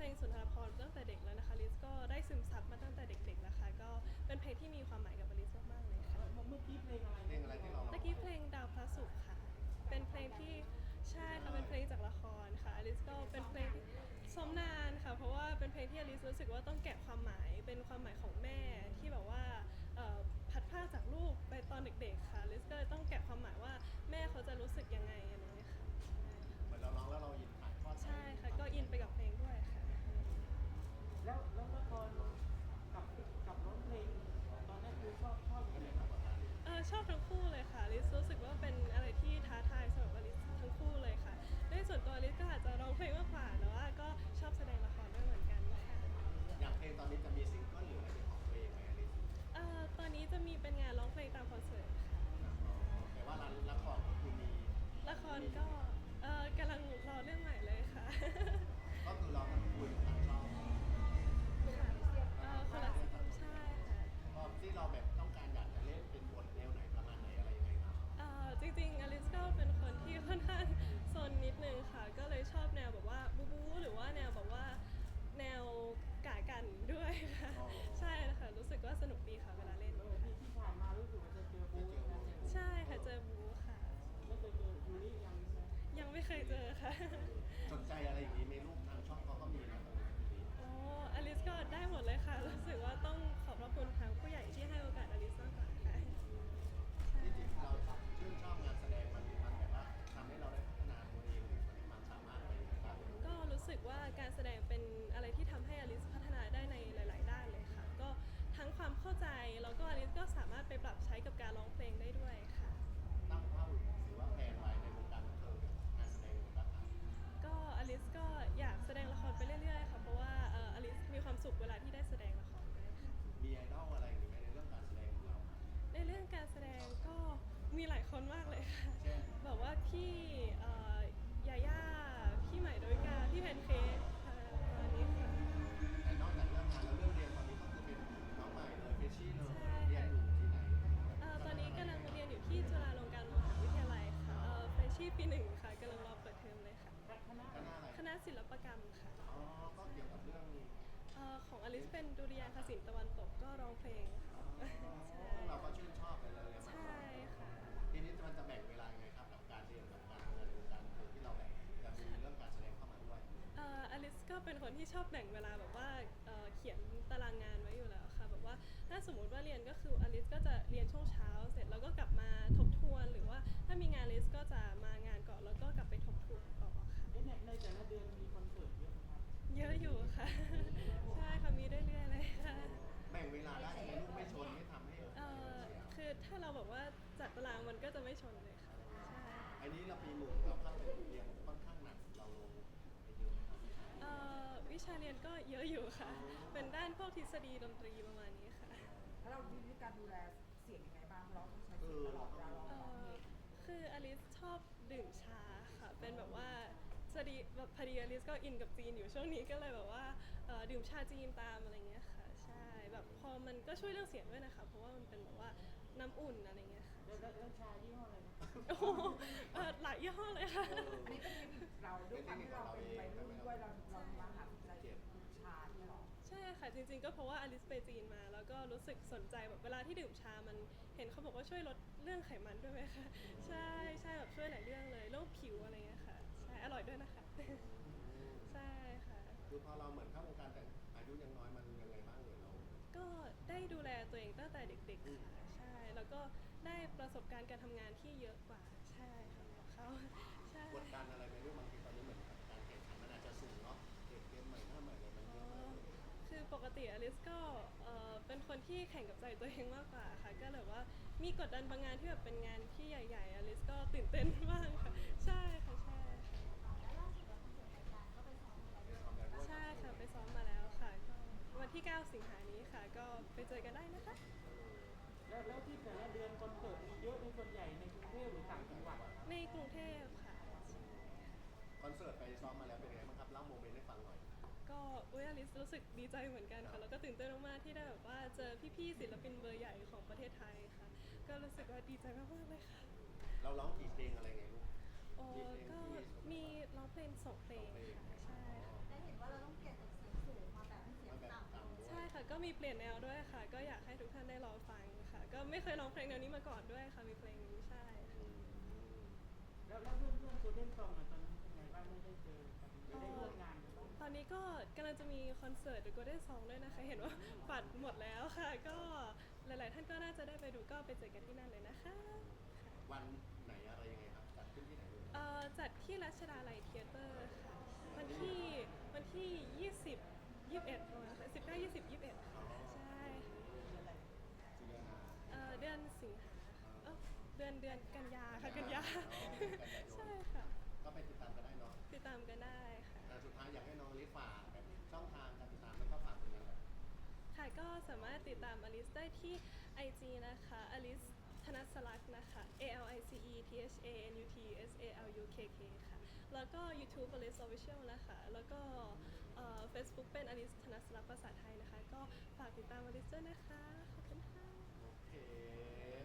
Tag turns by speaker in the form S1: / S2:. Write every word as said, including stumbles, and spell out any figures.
S1: ลงสุนทรภรณ์ตั้งแต่เด็กแล้วนะคะลิซก็ได้ซึมซับมาตั้งแต่เด็กๆนะคะก็เป็นเพลงที่มีความหมายกับลิซมากๆเลยค่ะ
S2: เมื่อกี้เพลงอะไร
S3: เพลงอะไรที่เรา
S1: เมื่อกี้เพลงดาวพระศุกร์ค่ะเป็นเพลงที่ใช่ค่ะเป็นเพลงจากละครค่ะอลิซก็เป็นเพลงที่ซ้อมนานค่ะเพราะว่าเป็นเพลงที่อลิซรู้สึกว่าต้องแกะความหมายเป็นความหมายของแม่ที่แบบว่าพัดพาจากลูกไปตอนเด็กๆค่ะอลิซก็เลยต้องแกะความหมายว่าแม่เขาจะรู้สึกยังไงอะไรอย่างเงี้ยค่ะ
S3: เหมือนเราร้องแล้วเราอินถ่ายทอด
S1: ใช่ค่ะก็อินไปกับเพลงด้วยค่ะ
S2: แล้วแล้วละครกับกับร้องเพลงตอนนั้นคือชอบชอบยังไงมากกว่ากัน
S1: เออชอบทั้งคู่เลยค่ะลิซรู้สึกว่าเป็นอะไรที่ท้าทายสำหรับลิซทั้งคู่เลยค่ะในส่วนตัวลิซก็อาจจะร้องเพลงมากกว่าแต่ว่าก็ชอบแสดงละครด้วยเหมือนกันค่ะ
S3: อย่างเพลงตอนนี้จะมีซิงเกิลหรืออะไรเป็นของตัวเองไหมอลิซ
S1: เอ่อตอนนี้จะมีเป็นงานร้องเพลงตามคอนเสิร์ตค่ะ
S3: แต่ว่าละครก็คือมี
S1: ละครก็เออกำลังรอเรื่องใหม่เลยค่ะ
S3: ก็คือเราทั้งคุยทั้งช่อง
S1: ค่ะเออคนละใช่ค่ะ
S3: ตอนที่เราแบบต้องการอยากจะเล่นเป็นบทแนวไหนประมาณไหนอะไรยังไงครับ
S1: เอ่อจริงๆอลิซก็เป็นคนที่ค่อนข้างโซนนิดนึงค่ะก็เลยชอบแนวแบบว่าบูบูหรือว่าแนวแบบว่าแนวกากันด้วยค่ะใช่ค่ะรู้สึกว่าสนุกดีค่ะเวลาเล่น
S2: ที่ที่ผ่านมารู้สึกว่าจะเจอบู๊นะ
S1: ใช่ค่ะเจอบูค่ะ
S2: ไม่เคยเจอยูริยังใช่
S1: ยังไม่เคยเจอค่ะ
S3: สนใจอะไรอย่างนี้ในรูปทางช่องเขาก็มีนะตรงนี้
S1: อ๋ออลิสก็ได้หมดเลยค่ะรู้สึกว่าต้องขอบพระคุณทางผู้ใหญ่ที่ให้โอกาสอลิสมากกว่าค่ะ
S3: ที่จริงเราชื่นชอบงานแสดงมันมันแบบว่าทำให้เราได้พัฒนาตัวเองหรือมีความสามารถอะไรอย่างเงี้ยครับ
S1: ก็รู้สึกว่าการแสดงเป็นอะไรที่ทำให้อลิสพัฒนาได้ในหลาย ๆ ด้านเลยค่ะก็ทั้งความเข้าใจแล้วก็อลิสก็สามารถไปปรับใช้กับการร้องเพลงได้ด้วยค่ะ
S3: ตั้งเป้าหรือว่าแผนไว้ในวงการบันเทิงงานแสดงในวงการบันเทิง
S1: ก็อลิสก็อยากแสดงละครไปเรื่อย ๆ ค่ะเพราะว่าเอออลิสมีความสุขเวลาที่ได้แสดงละครด้วยค่ะ
S3: มีไอดอลอะไรหรือไม่ในเรื่องการแสดงของเรา
S1: ในเรื่องการแสดงก็มีหลายคนมากเลยค่ะ
S3: เช่น
S1: แบบว่าพี่เอ่อยาย่าพี่ใหม่ดาวิกาพี่แพนเค้กค่ะประมาณนี้ค่ะ
S3: แต่นอกจากเรื่องงานแล้วเรื่องเรียนตอนนี้ก็คือเป็นน้องใหม่เลยเฟรชชี่เลย
S1: ใช่
S3: เรียนอยู่ที่ไหน
S1: เอ่อตอนนี้กำลังเรียนอยู่ที่จุฬาลงกรณ์มหาวิทยาลัยค่ะเอ่อเฟรชชี่ปีหนึ่งค่ะกำลังรอเปิดเทอมเลยค่ะ
S2: คณะ
S3: คณะอะไร
S1: คณะศิลปกรรมค่ะ
S3: อ๋อก็เกี่ยวกับเรื่อง
S1: เอ่อของอลิสเป็นดุริยางคศิลป์ตะวันตกก็ร้องเพลงค่ะใช่
S3: เราก็ชื่นชอบไปเลย
S1: ใช่ค่ะ
S3: ทีนี้มันจะแบ่งเวลายังไงครับกับการเรียนกับการทำงานในวงการบันเทิงที่เราแบ่งจะมีเรื่องการแสดงเข้ามาด้วย
S1: เอ่ออลิสก็เป็นคนที่ชอบแบ่งเวลาแบบว่าเอ่อเขียนตารางงานไว้อยู่แล้วค่ะแบบว่าถ้าสมมุติว่าเรียนก็คืออลิสก็จะเรียนช่วงเช้าเสร็จแล้วก็กลับมาทบทวนหรือว่าถ้ามีงานอลิสก็จะมางานก่อนแล้วก็กลับไปทบทวนต่อค่ะ
S2: ในในแต่ละเดือนมีคอนเสิร์ตเยอะไหมครับ
S1: เยอะอยู่ค่ะใช่ค่ะมีเรื่อยๆเลยค่ะ
S3: แบ่งเวลาได้ให้ลูกไม่ชนไม่ทำให้
S1: เอ่อคือถ้าเราแบบว่าจัดตารางมันก็จะไม่ชนเลยค่ะใช่
S3: อันนี้เราปีหนึ่งเราเข้าไปเรียนค่อนข้างหนักเราลงไปเยอะไหมครับ
S1: เอ่อวิชาเรียนก็เยอะอยู่ค่ะเป็นด้านพวกทฤษฎีดนตรีประมาณนี้ค่ะ
S4: แล้วเรามีวิธีการดูแลเสียงยังไงบ้างเราต้องใช้เสียงตลอดเวลาเราร้องเพลง
S1: คืออลิสชอบดื่มชาค่ะเป็นแบบว่าสดีแบบพอดีอลิสก็อินกับจีนอยู่ช่วงนี้ก็เลยแบบว่าดื่มชาจีนตามอะไรเงี้ยค่ะใช่แบบพอมันก็ช่วยเรื่องเสียงด้วยนะคะเพราะว่ามันเป็นแบบว่าน้ำอุ่นอะไรเงี้ยค่ะ
S2: แล้วแล้วชายี่ห้ออะไรนะ
S1: โอ้โหหลายยี่ห้อเลยค่ะ
S4: อันนี้เป็นเทคนิคเราด้วยความที่เราเป็นวัยรุ่นด้วยเราเรามาหาสนใจดื่มชาเนี่ยหรอ
S1: ใช่ค่ะจริงๆก็เพราะว่าอลิสไปจีนมาแล้วก็รู้สึกสนใจแบบเวลาที่ดื่มชามันเห็นเขาบอกว่าช่วยลดเรื่องไขมันด้วยไหมคะใช่ใช่แบบช่วยหลายเรื่องเลยโรคผิวอะไรเงี้ยค่ะใช่อร่อยด้วยนะคะใช่ค่ะ
S3: คือพอเราเหมือนเข้าวงการแต่อายุยังน้อยมันยังไงบ้างเลยเรา
S1: ก็ได้ดูแลตัวเองตั้งแต่เด็กๆค่ะใช่แล้วก็ได้ประสบการณ์การทำงานที่เยอะกว่าใช่ค่ะเขาใช่
S3: กดดันอะไรไหมลูกบางทีตอนนี้เหมือนกับการแข่งขันมันอาจจะสูงเนาะเด็กเกมใหม่หน้าใหม่เลยมันเยอะมากเลย
S1: คือปกติอลิสก็เอ่อเป็นคนที่แข่งกับใจตัวเองมากกว่าค่ะก็เลยว่ามีกดดันบางงานที่แบบเป็นงานที่ใหญ่ๆอลิสก็ตื่นเต้นมากค่ะใช่ค่ะใช่ค่ะใช่ค่ะไปซ้อมมาแล้วค่ะก็วันที่เก้าสิงหานี้ค่ะก็ไปเจอกันได้นะคะ
S2: แล้วแล้วที่แต่ละเดือนคอนเสิร์ตมีเยอะในส่วนใหญ่ในกรุงเทพหรือต่างจังหวัด
S1: ในกรุงเทพค่ะ
S3: คอนเสิร์ตไปซ้อมมาแล้วเป็นไงบ้างครับเล่าโมเมนต์ให้ฟังหน่อย
S1: ก็อุ้ยอลิสรู้สึกดีใจเหมือนกันค่ะแล้วก็ตื่นเต้นมากๆที่ได้แบบว่าเจอพี่ๆศิลปินเบอร์ใหญ่ของประเทศไทยค่ะก็รู้สึกว่าดีใจมากๆเลยค่ะ
S3: เราร้องกี่เพลงอะไรไงลูก
S1: โอ้ก็มีร้องเพลงสองเพลงค่ะใช่ค่ะ
S5: ได้เห็นว่าเราต้องเก็บจาก
S1: ก็มีเปลี่ยนแนวด้วยค่ะ ก็อยากให้ทุกท่านได้รอฟังค่ะ ก็ไม่เคยร้องเพลงแนวนี้มาก่อนด้วยค่ะ มีเพลงนี้ใช่ค่ะ
S2: แล้วแล้วเพื่อนเพื่อนโกลเด้นซองอ่ะตอนนี้เป็นไงบ้างไม่ได้เจอกันไม่ได้ร่วมงานกันบ้าง
S1: ตอนนี้ก็กำลังจะมีคอนเสิร์ต The Golden Song ด้วยนะคะ เห็นว่าบัตรหมดแล้วค่ะ ก็หลาย ๆ ท่านก็น่าจะได้ไปดูก็ไปเจอกันที่นั่นเลยนะคะ
S3: วันไหนอะไรยังไงครับจัดขึ้นที่ไหนเลย
S1: เอ่อจัดที่รัชดาลัยเธียเตอร์ค่ะ วันที่วันที่ ยี่สิบ ยี่สิบเอ็ดประมาณสิบเก้า ยี่สิบ ยี่สิบเอ็ดค่ะใช่ค่ะเอ่อเดือนสิงหาเอ้าเดือนเดือนกันยาค่ะกันยา ใช่ค่ะ
S3: ก็ไปติดตามกันได้เนาะ
S1: ติดตามกันได้ค่ะ
S3: แต่สุดท้ายอยากให้น้องลิฟฝากแบบช่องทางการติดตามแล้วก็ฝากผลงานแบบ
S1: ค่ะก็สามารถติดตามอลิสได้ที่ ไอ จี นะคะอลิสธนสลักษณ์นะคะ A L I C E T H A N U T S A L U K K ค่ะ แล้วก็ YouTube อลิส Official นะคะ แล้วก็เอ่อ Facebook เป็นอลิสธนสลักษณ์ภาษาไทยนะคะ ก็ฝากติดตามอลิสด้วยนะคะ ขอบคุณค่ะ
S3: โอเค